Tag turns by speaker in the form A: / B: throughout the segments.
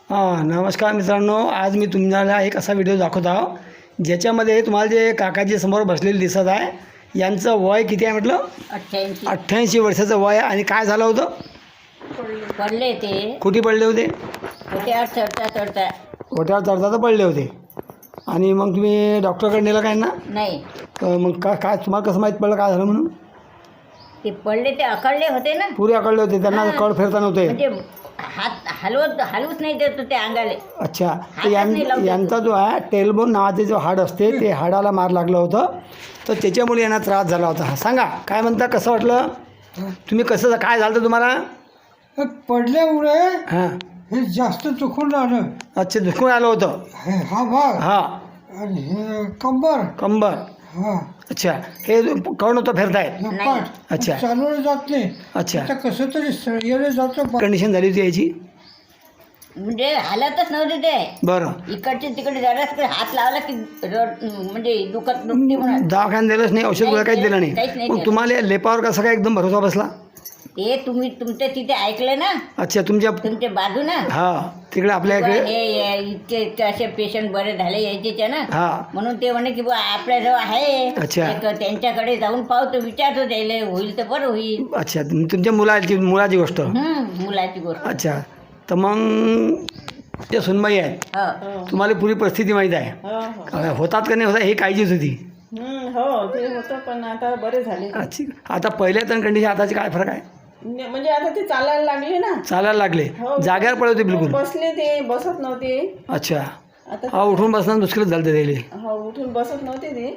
A: नमस्कार मित्रांनो, आज मी तुम्हाला एक असा व्हिडिओ दाखवत आहो ज्याच्यामध्ये तुम्हाला जे काकाजी समोर बसलेले दिसत आहे यांचं वय किती आहे म्हटलं? 88 वर्षाचं वय आहे. आणि काय झालं होतं?
B: पडले ते.
A: कुठे पडले होते?
B: ओट्यावर चढता
A: ओट्यावर चढता पडले होते. आणि मग तुम्ही डॉक्टरकडे नेलं काय ना?
B: नाही.
A: तर मग काय तुम्हाला कसं माहीत पडलं काय झालं म्हणून?
B: ते पडले ते अकळले होते ना,
A: पुरे अकळले होते, त्यांना कळ फिरता नव्हते.
B: म्हणजे हात हलवूच नाही देत होते अंगाले.
A: अच्छा, तर यांचा जो आहे टेलबोन नावाचे जो हाड असते ते हाडाला मार लागलं होतं, तर त्याच्यामुळे यांना त्रास झाला होता. सांगा काय म्हणता, कसं वाटलं तुम्ही, कसं काय झालं तुम्हाला?
C: पडल्यामुळे
A: हां,
C: हे जास्त दुखून राहिलं.
A: अच्छा, दुखून आलं होतं.
C: हा भाग
A: हां,
C: आणि हे कंबर. हा,
A: अच्छा, हे कळून होतं फिरतायत.
C: हे पाठ.
A: अच्छा.
C: चालवलं जात नाही.
A: अच्छा,
C: आता कसं तरी येणं जातं.
A: कंडिशन झाली होती याची?
B: म्हणजे हालतच नव्हते ते.
A: बरं,
B: इकडचे तिकडे जराच हात लावला की म्हणजे दुखते म्हणून
A: दवाखान्यात दिलंच नाही, औषध गोळ्या काहीच दिलं
B: काहीच
A: नाही.
B: नाही
A: मग तुम्हाला लेपावर कसं काय एकदम भरोसा बसला?
B: हे तुम्ही तुमच्या तिथे ऐकलं ना,
A: अच्छा, तुमच्या
B: तुमच्या बाजू ना.
A: हां, तिकडे आपल्या इकडे.
B: हे इतके असे पेशंट बरे झाले यायचे ना,
A: हां,
B: म्हणून ते म्हणे की बुवा आपल्याजवळ आहे.
A: अच्छा.
B: एक त्यांच्याकडे जाऊन पाहतो, विचारतो त्याला, होईल तर बरं होईल.
A: अच्छा, तुमच्या मुलाची गोष्ट.
B: मुलाची गोष्ट.
A: अच्छा, तर मग त्या सुनबाई आहेत,
B: हो.
A: तुम्हाला पुरी परिस्थिती माहीत आहे. होतात का नाही होतात हे काळजीच होती.
D: हो ते होतं, पण आता बरे झाले.
A: अच्छा, आता पहिल्या तर कंडिशन आताची काय फरक आहे?
D: म्हणजे आता ते चालायला लागले ना.
A: चालायला लागले,
D: हो.
A: जाग्यावर पडले होते बिलकुल.
D: बसले ते, बसत नव्हते.
A: अच्छा,
D: आता
A: हा, उठून बसणं मुश्किलच झालं त्याला.
D: हो, उठून बसत नव्हते ते.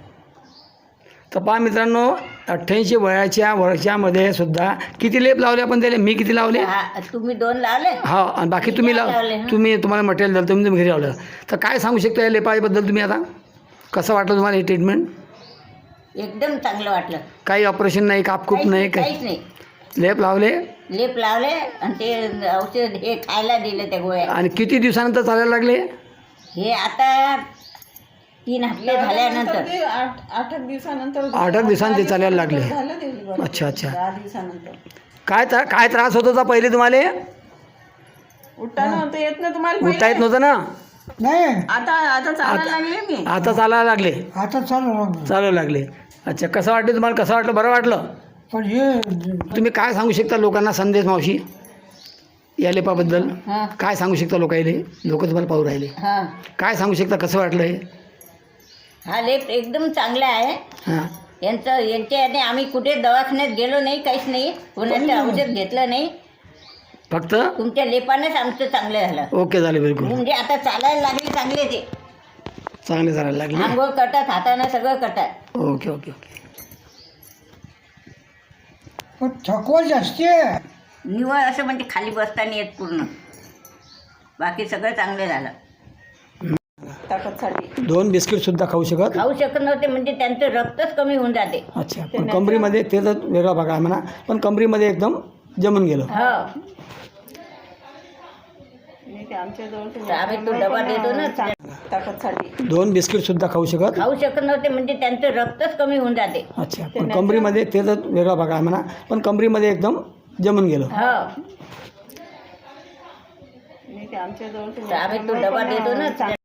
A: तर पहा मित्रांनो, 88 वयाच्या वर्षामध्ये सुद्धा किती लेप लावले आपण त्याला? मी किती लावले?
B: तुम्ही 2 लावले.
A: हा, आणि बाकी तुम्ही
B: लावले.
A: तुम्हाला मटेरियल दिलं, तुम्ही घरी लावलं. तर काय सांगू शकता या लेपाबद्दल तुम्ही? आता कसं वाटलं तुम्हाला हे ट्रीटमेंट?
B: एकदम चांगलं वाटलं.
A: काही ऑपरेशन नाही, कापकूप नाही,
B: काहीच नाही.
A: लेप लावले
B: लेप लावले आणि ते औषध हे खायला दिले त्या गोळ्या.
A: आणि किती दिवसानंतर चालायला लागले?
B: हे आता 3 हप्ते झाल्यानंतर.
D: ते 8 दिवसानंतर.
A: 8 दिवसांनी ते चालायला लागले.
D: झालं ते बरं.
A: अच्छा, अच्छा.
D: 10 दिवसानंतर.
A: काय त्रास होत होता पहिले तुम्हाला?
D: उठता नव्हतं येत ना तुम्हाला?
A: उठता येत नव्हतं ना?
C: नाही,
D: आता चालायला लागले मी.
A: आता चालायला लागले,
C: आता
A: चालू लागले. अच्छा, कसं वाटलं तुम्हाला? कसं वाटलं? बरं वाटलं?
C: पण हे
A: तुम्ही काय सांगू शकता लोकांना संदेश, मावशी, या लेपाबद्दल काय सांगू शकता लोकायले? लोक तुम्हाला पाहू राहिले,
B: हां,
A: काय सांगू शकता? कसं वाटलं हे?
B: हा लेप एकदम चांगला आहे.
A: हां,
B: यांच्याने आम्ही कुठे दवाखान्यात गेलो नाही, काहीच नाही, कोणाचं औषध घेतलं नाही.
A: फक्त
B: तुमच्या लेपानेच आमचं चांगलं झालं.
A: ओके झाले, बिलकुल
B: म्हणजे आता चालायला लागले चांगले, ते
A: चांगले चालायला लागले.
B: आंघोळ करतात, हाताने सगळं करतात.
A: Okay okay okay.
C: पण थकवा जास्ती आहे.
B: निवळ असं म्हणजे खाली बसताना येत पूर्ण, बाकी सगळं चांगलं झालं.
D: ताकदसाठी
A: 2 बिस्किट सुद्धा खाऊ शकत?
B: खाऊ शकत नव्हते, म्हणजे त्यांचं रक्तच कमी होऊन जाते.
A: अच्छा, पण कमरीमध्ये ते तर वेगळा भाग आहे म्हणा, पण कमरीमध्ये एकदम जमून गेलं.
B: हो,
D: ते आमच्याजवळ
B: तर आम्ही तो डबा देतो ना.
D: ताकदसाठी
A: 2 बिस्किट सुद्धा खाऊ शकत?
B: खाऊ शकत नव्हते, म्हणजे त्यांचं रक्तच कमी होऊन जाते.
A: अच्छा, पण कमरीमध्ये ते तर वेगळा भाग आहे म्हणा, पण कमरीमध्ये एकदम जमून गेलं.
B: हो,
D: ते आमच्याजवळ
B: तर आम्ही तो डबा देतो ना.